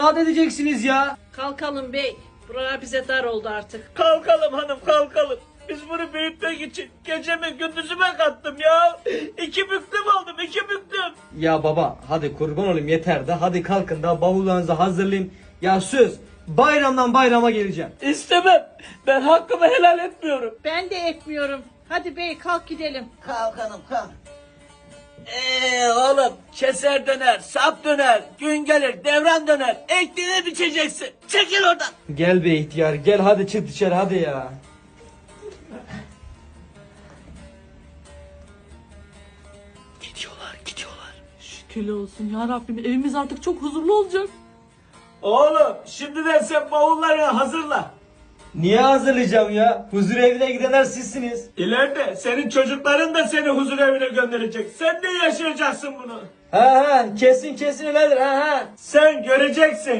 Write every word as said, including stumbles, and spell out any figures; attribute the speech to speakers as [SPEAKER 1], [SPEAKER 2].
[SPEAKER 1] rahat edeceksiniz ya.
[SPEAKER 2] Kalkalım bey. Buralar bize dar oldu artık.
[SPEAKER 3] Kalkalım hanım kalkalım. Biz bunu büyütmek için gecemi gündüzüme kattım ya. İki büklüm aldım iki büklüm.
[SPEAKER 1] Ya baba hadi kurban olayım yeter de hadi kalkın da bavullarınızı hazırlayın. Ya söz bayramdan bayrama geleceğim.
[SPEAKER 3] İstemem. Ben hakkımı helal etmiyorum.
[SPEAKER 2] Ben de etmiyorum. Hadi bey kalk gidelim.
[SPEAKER 3] Kalk hanım kalk. Eee oğlum keser döner, sap döner, gün gelir, devran döner. Ektiğini biçeceksin. Çekil oradan.
[SPEAKER 1] Gel be ihtiyar gel hadi çık dışarı hadi ya.
[SPEAKER 3] Gidiyorlar, gidiyorlar.
[SPEAKER 4] Şükürler olsun ya Rabbim, evimiz artık çok huzurlu olacak.
[SPEAKER 3] Oğlum şimdiden sen bavullarını hazırla.
[SPEAKER 1] Niye hazırlayacağım ya? Huzur evine gidenler sizsiniz.
[SPEAKER 3] İleride senin çocukların da seni huzur evine gönderecek. Sen de yaşayacaksın bunu.
[SPEAKER 1] Ha ha kesin kesin öyledir ha ha.
[SPEAKER 3] Sen göreceksin.